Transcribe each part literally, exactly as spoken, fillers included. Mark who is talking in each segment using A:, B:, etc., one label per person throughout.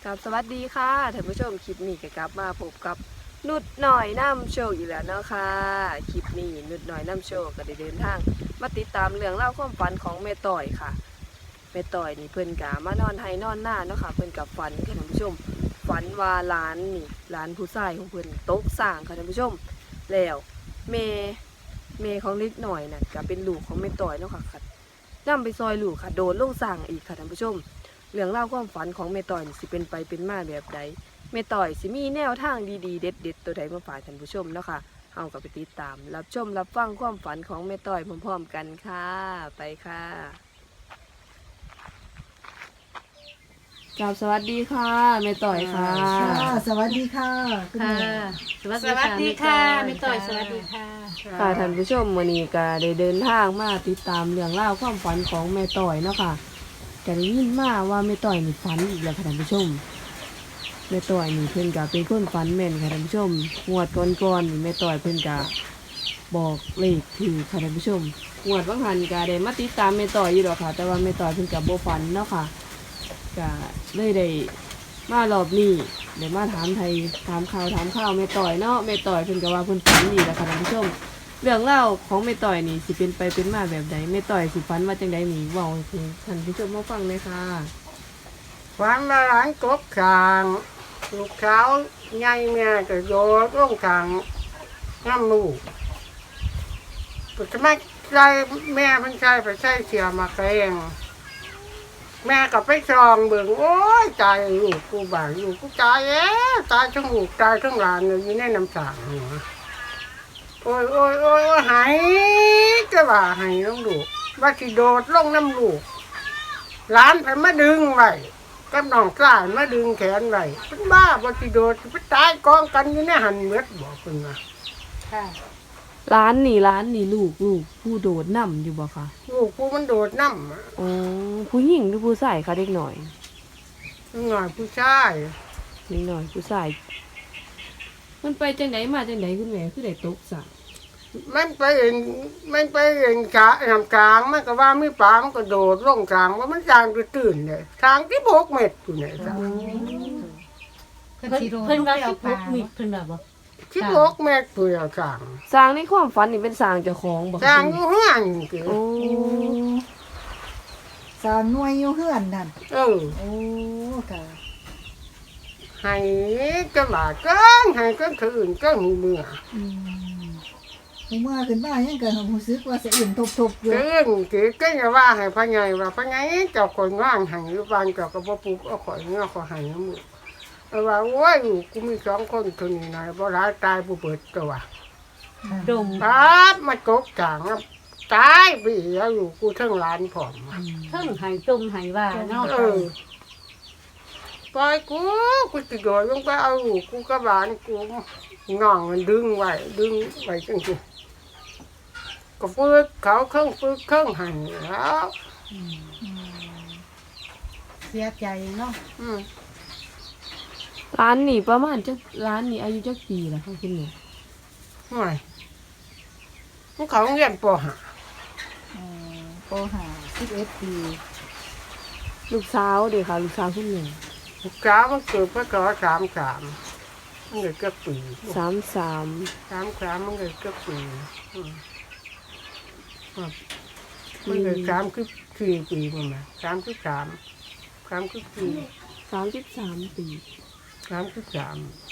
A: กับสวัสดีค่ะท่านผู้ชมคลิปนี้ก็กลับมาพบกับนุดหน่อยน้ำโชคอีกแล้วเนาะค่ะคลิปนี้นุดหน่อยน้ำโชคก็ได้เดินทางมาติดตามเรื่องเล่าวความฝันของแม่ต่อยค่ะแม่ต่อยนี่เพิ่นกะมานอนไห้นอนหน้าเนาะค่ะเพิ่นกับฝันค่ะท่านผู้ชมฝันว่าหลานนี่หลานผู้ชายของเพิ่นตกสร้างค่ะท่านผู้ชมแล้วเมเมของเล็กหน่อยน่ะก็เป็นลูกของแม่ต่อยเนาะค่ะนำไปซอยลูกค่ะโดนลงสร้างอีกค่ะท่านผู้ชม เรื่องเล่าวความฝันของเมต่อยนี่สิเป็นไปเป็นมาแบบใดเมต่อยสิมีแนวทางดีๆเด็ดๆตัวใดมาฝากท่านผู้ชมเนาะค่ะเฮาก็ไปติดตามรับชมรับฟังความฝันของเมต่อยพร้อมๆกันค่ะไปค่ะกราบสวัสดีค่ะเมต่อยค่ะ
B: ค่ะสวัสดีค่ะคุณ
C: ค่ะ
B: แม่
C: สวัสดีค่ะแม่ต่อยสวัสดีค่ะ
A: ค่ะท่านผู้ชมมื้อนี้ก็ได้เดินทางมาติดตามเรื่องเล่าวความฝันของแม่ต่อยเนาะค่ะก็ได้ยินมาว่าแม่ต่อยนี่ฝันอีกแล้วค่ะท่านผู้ชมแม่ต่อยนี่เพิ่นก็เป็นคนฝันแม่นค่ะท่านผู้ชมงวดก่อนๆนี่แม่ต่อยเพิ่นก็บอกเลขถือค่ะท่านผู้ชมงวดบางหันก็ได้มาติดตามแม่ต่อยอยู่ดอกค่ะ แต่ว่าแม่ต่อยเพิ่นก็บ่ฝันเนาะค่ะก็เลยได้มารอบนี้ได้มาถามไทยถามข่าวถามข่าวแม่ต่อยเนาะแม่ต่อยเพิ่นก็ว่าเพิ่นฝันดีแล้วค่ะท่านผู้ชมเรื่องเล่าวของแม่ต่อยนี่สิเป็นไปเป็นมาแบบใดแม่ต่อยสิฝันว่าจังได๋นี่เว้าให้ท่านผู้ชมมาฟังเลยค่ะ
D: ฝันมาหลานกบขางลูกสาวใหญ่แม่ก็โยนลงขางน้ำลูกปัจจุบันใจแม่มันใช่ไปใช่เสียมาแกงแม่ก็ไปซองเบิ่งโอ้ยตายลูกกูบ่ายลูกกูตายเอ๊ะตายทั้งลูกตายทั้งหลานเลยอยู่ในน้ำสางหัวโอ้ยโอ้ยโอ้ยโอ้ยหายจะว่าหายน้องลูกว่าสิโดดลงน้ำลูกหลานไปมาดึงไว้กับน้องกล้ามาดึงแขนไว้เป็นบ้าบ่สิโดดไปตายกองกันอยู่ในหันเมือดบอกเพิ่นว่า
C: ค่ะ
A: ร้านนี่ร้านนี่ลูกลูกผู้โดดน้ำอยู่บ่คะ
D: ลูกกูมันโดดน้ำอะ
A: อ๋อผู้หญิงหรือผู้ชายคะเด็กหน่อย
D: หน่อยผู้ชาย
A: เด็กหน่อยผู้ชายมันไปจังไดมาจังไดคุณแม่คือได้ตกสระ
D: มันไปเองมันไปเองกะนำกลางมันก็ว่ามีปลามันก็โดดลงกลางว่ามันจางตื่นเลยทางที่โบกเม็ดอยู่เนี่ยจ้ะ
C: เพิ่นเพิ่นว่าสิบหกมีเพิ่นว่าบ่
D: ที่โบกเม็ดอยู่แล้วจาง
A: สร้างในความฝันนี่เป็นสร้างเจ้าของบ่คะ
D: จางอยู่ห้างคือ
A: โอ้
B: สาวหน่วยอยู่เฮือนนั่น
D: เออ
B: โอ้ค่ะ
D: ให้จะว่าเกินให้ก็คืนก็หูเมื่อ
B: อืมผมว่าขึ้นมายังก็รู้สึกว่าสะอื่นทบๆอยู่
D: เกินคือก็อย่าว่าให้พะไงว่าพะไงเจ้าคนว่างให้หรือบ้านเจ้าก็บ่ปลูกเอาข่อยเงาขอให้น้ำมือเอาว่าโอ้ยลูกกูมีสองคนคนนี้นะบ่ร้ายตายบ่เบิดตัว
C: ดม
D: ครับมากกจางครับตายไปอีกแล้วอยู่กูเทั้งร้านผอมอะ
C: เพิ่งหายจมหายว่าเนาะ
D: เออปล่อยกูกูจะโดดลงไปเอาลูกกูกับหลานกูง่องมันดึงไว้ดึงไว้จังสิก็ฝึกเขาเครื่องฝึกเครื่องหันแล้ว
C: เสียใจเนาะ
D: อืม
A: ร้านนี่ประมาณจักร้านนี่อายุจักปีแล้วคะคุณแม่
D: ห่วยพวกเขาเรียนปหา
B: อ๋อโปหาสิบเอ็ดปี
A: ลูกสาวเด้ค่ะลูกสาวคุณแม่
D: ลูกสาวมันเกิดพศสามสามมันเกิดเกือบปี
A: สามสาม
D: สามสามมันเกิดเกือบปีอืมครับมันเกิดสามคือสี่ปีมันมาสามคือสามสามคือสี่
A: สามสิบสามปี
D: สามคือสาม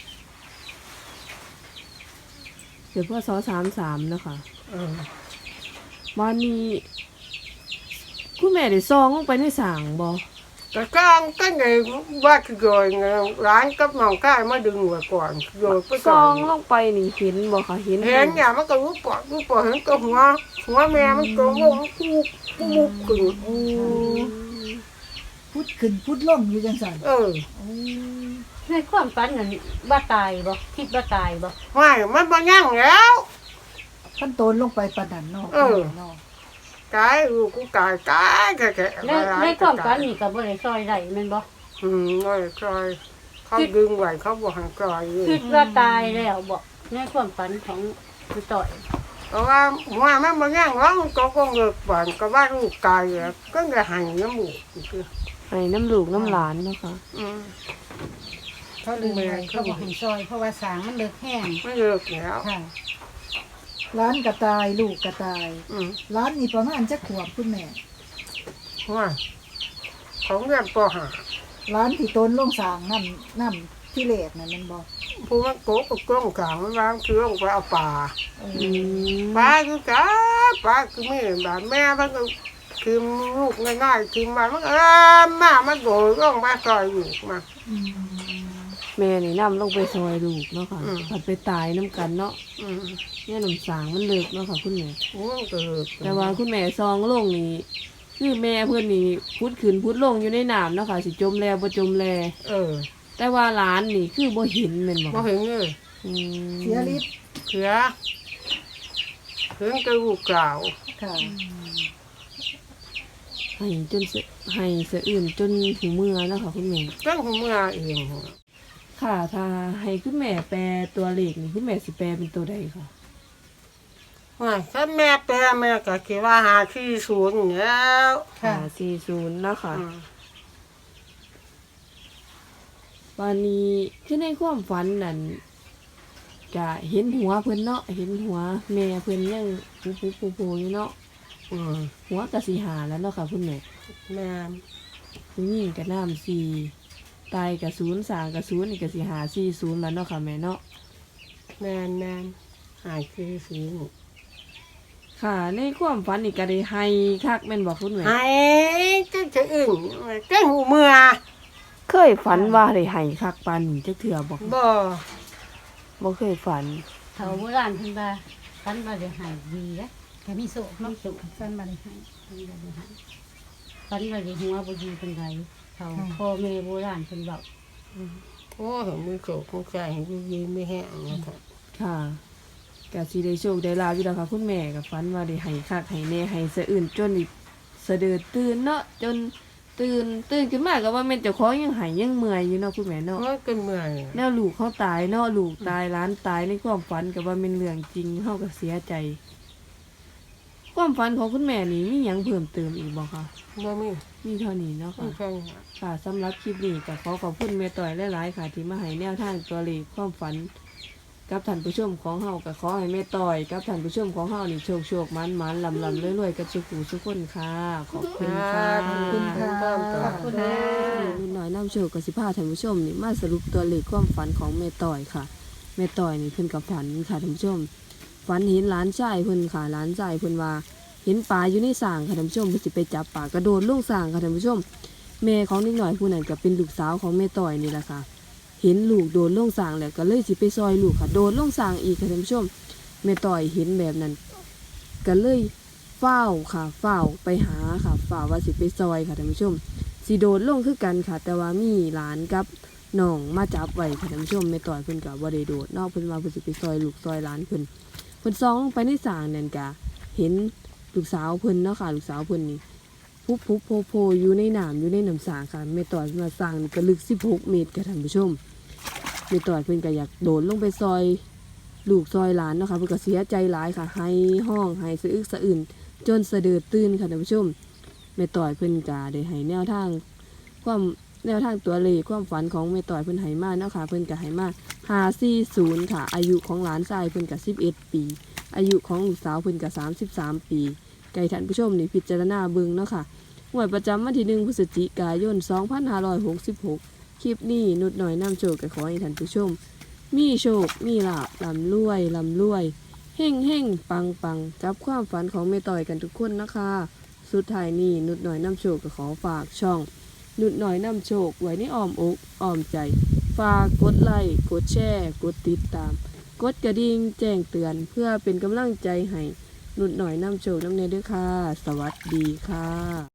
A: เดี๋ยวพศสามสามนะคะ
D: เออ
A: วันนี้คุณแม่ได้ซองลงไปในสางบ่
D: แต่กลางก็ไงว่าคือโดยไงร้านกับน้องก้ายมาดึงไว้ก่อนโดยไป
A: ซ
D: ก่อ
A: อน งลงไปนี่เห็นบ่คะเห็น
D: เห็นเนี่ยมันก็รู้ปอดรู้ปอดเห็นก็หัวหัวแม่มันก็งงคูคูมุกขึ้น
B: โอ้พุดขึ้นพุดลงอยู่จังซั่น
D: เออ
B: โอ้
C: ในความฝันนั่นว่าตายบ่คิดว่าตายบ่
D: ไม่มันบ่ยั่งแล้ว
B: ขั้นโตนลงไปปานนั้นเนาะ
D: เออ
B: เนาะ
D: ตายลูกกูตายตายแค่แค่
C: ในในความฝันนี่ก็บ่ได้ซอยได้แม่นบ่
D: อืมน้อยคอยเขาดึงไว้เขาบอกให้คอยอยู่
C: คิดว่าตายแล้วบ่ในความฝันของแม่ต่อย
D: เพราะว่าหัวมันบ่ยั่งแล้วมันก็คงเลิกฝันก็ว่าลูกตายแล้วก็จะให้น้ำมูกคือ
A: ให้น้ำลูกน้ำหลานเนาะค่ะ
D: อืม
C: เขาลืมไว้เขาบอกให้ซอยเพราะว่าสางมันเลิกแห้ง
D: ไม่เลิกแล้ว
C: ค่ะ
B: ร้านกระตายลูกกระตาย
D: อืม
B: ร้านนี่ประมาณจักขวบคุณแม่
D: ว่าของเรียนปหา
B: ร้านที่ต้นลงสางน้ำน้ำที่เลดนั่นแมันบ่
D: ผู้มันโกกกับกล้องกลางมันวางคือลงไปเอาปลา
B: เอ
A: อื
B: อ
A: ม
D: ปลาคือจ้าปลาคือไม่แบบแม่มันก็คือลูกง่ายๆคือมันมันเออมามันโดดลงไปซอยอยู่มา
B: อืม
A: แม่นี่นํลงไปซอยลูกเนาะค่ะ
D: อืม
A: ผัดไปตายน้ำกันเนาะ
D: อืม
A: เนี่ยน้ำสางมันเลิกเนาะค่ะคุณแม่
D: โอ้เกิด
A: แต่ว่าคุณแม่ซองลงนี่คือแม่เพื่อนนี่พุดขึ้นพุดลงอยู่ในน้ำเนาะค่ะสิจมแลบ่จมแล
D: เออ
A: แต่ว่าหลานนี่คือบ่เห็นแม่นบ่
D: มาเห็นเลย
A: อืม
B: เสียฤทธิ์
D: เสือเพิ่งกระลูกกล่าว
B: ค่ะ
A: ให้จนเสให้สะอื่นจนหูเมื่อเนาะค่ะคุณแม่
D: ตั้งหัวเมื่อเอง
A: ค่ะถ้าให้คุณแม่แปลตัวเลขนี่คุณแม่สิแปลเป็นตัวใดค่ะ
D: ว่าถ้าแม่แปลแม่ก็คิดว่าหาที่ศูนย์อยู่แล้ว
B: ค่ะ
A: ห้าสี่ศูนย์เนาะค่ะ
D: อืม
A: วันนี้คือในความฝันนั่นจะเห็นหัวเพิ่นเนาะเห็นหัวแม่เพิ่นยังปูปูปูปูอยู่เนาะ
D: อืม
A: หัวกะสิหาแล้วเนาะค่ะคุณแม่
D: แม่
A: ผู้หญิงกะน้ำสี่ตายกะศูนย์สางกะศูนย์นี่กะสิหาสี่ศูนย์แล้วเนาะค่ะแม่เนาะ
D: แม่แม่หาที่ศูนย์
A: ค่ะในความฝันนี่ก็ได้ให้คักแม่นบอกคุณแม่
D: ไอ้เจ้าจะอื่นเจ้าหูเมื่อ
A: เคยฝันว่าได้ให้คักปานนี้จักเทื่อบอก
D: บ่
A: บ่เคยฝัน
C: เขาโบราณเพิ่นว่าฟันบ่ได้ให้ดีนะแต่มีโศกเนาะฟันบ่ได้ให้ฟันบ่ได้ให้ฟันบ่ได้หัวบ่ดีปานใดเขาพ่อแม่โบราณเพิ่นเว้า
D: โอ้เห็นมือโขกมือใจเห็นยืนไม่แห้งนะครับ
A: ค่ะกะสิได้โชคได้ลาภอยู่แล้วค่ะคุณแม่ก็ฝันว่าได้ให้คักให้แน่ให้สะอื่นจนอีกสะเดือดตื่นเนาะจนตื่นตื่นขึ้นมาก็ว่าแม่นเจ้าของยังหายยังเมื่อยอยู่เนาะคุณแม่เนาะ
D: มันเป็นเมื่อย
A: แนวลูกเขาตายเนาะลูกตายหล้านตายในความฝันก็ว่าเป็นเรื่องจริงเฮาก็เสียใจ ความฝันของคุณแม่นี่มีหยังเพิ่มเติมอีกบ่คะ
D: บ่มี
A: มีเท่านี้เนาะ
D: ไม่
A: ค่ะ
D: ใช่
A: ค่ะสำหรับคลิปนี้ก็ขอขอบคุณแม่ต่อยหลายๆค่ะ ที่มาให้แนวทางตัวเลขความฝัน กับท่านผู้ชมของเฮาก็ขอให้แม่ต่อยกับท่านผู้ชมของเฮานี่โชคโชคมันมันลำลำรวยๆกับสุขุสุขคนค่ะ ขอบคุณค่ะ
D: ขอบคุณค่ะ
C: ขอบคุณนะ
A: นิดหน่อยน้ำโชคกับสิพาท่านผู้ชมนี่มาสรุปตัวเลขความฝันของแม่ต่อยค่ะแม่ต่อยนี่เพิ่นกับฝันค่ะท่านผู้ชมฝันเห็นหลานชายเพิ่นค่ะหลานชายเพิ่นว่าเห็นปลาอยู่ในสางค่ะท่านผู้ชมเพิ่นสิไปจับปลากระโดดลงสางค่ะท่านผู้ชมแม่ของนิดหน่อยผู้นั้นก็เป็นลูกสาวของแม่ต่อยนี่แหละค่ะเห็นลูกโดนลงสางแล้วก็เลยสิไปซอยลูกค่ะโดนลงสางอีกค่ะท่านผู้ชมแม่ต่อยเห็นแบบนั้นก็เลยเฝ้าวค่ะเฝ้าวไปหาค่ะเฝ้าวว่าสิไปซอยค่ะท่านผู้ชม สีโดดลงคือกันค่ะ แต่ว่ามีหลานกับน้องมาจับไว้ค่ะท่านผู้ชมไม่ต่อยเพิ่นกับว่าได้โดดนอกเพิ่นมาเพิ่นสิไปซอยลูกซอยหลานเพิ่นเพิ่นซองไปในสางนั่นกะเห็นลูกสาวเพิ่นเนาะค่ะลูกสาวเพิ่นนี่พุบพุบโพโพอยู่ในน้ำอยู่ในน้ำสางค่ะไม่ต่อยมาสางนี่ก็ลึกสิบหกเมตรค่ะท่านผู้ชมไม่ต่อยเพิ่นก็อยากโดดลงไปซอยลูกซอยหลานเนาะค่ะเพิ่นก็เสียใจหลายค่ะให้ห้องให้สะอึกสะอื่นจนสะเดือดตื่นค่ะท่านผู้ชมแม่ต่อยเพิ่นก็ได้ให้แนวทาง ความแนวทางตัวเลขความฝันของแม่ต่อยเพิ่นไหมาเนาะค่ะเพิ่นก็ไหมาห้าสี่ศูนย์ค่ะอายุของหลานชายเพิ่นก็สิบเอ็ดปีอายุของลูกสาวเพิ่นก็สามสิบสามปีไก่ท่านผู้ชมนี่พิจารณาเบิ่งเนาะค่ะงวดประจำวันที่หนึ่งพฤศจิกายนสองพันห้าร้อยหกสิบหกคลิปนี้นุดหน่อยนำโชคก็ขอให้ท่านผู้ชม มีโชคมีลาภลำรวยลำรวยเฮ่งเฮ่งปังปังกับความฝันของแม่ต่อยกันทุกคนนะคะสุดท้ายนี้นุดหน่อยนำโชคก็ขอฝากช่องนุดหน่อยนำโชคไว้ในอ้อมอกอ้อมใจฝากกดไลค์กดแชร์กดติดตามกดกระดิ่งแจ้งเตือนเพื่อเป็นกำลังใจให้นุดหน่อยนำโชคนำเนยด้วยค่ะสวัสดีค่ะ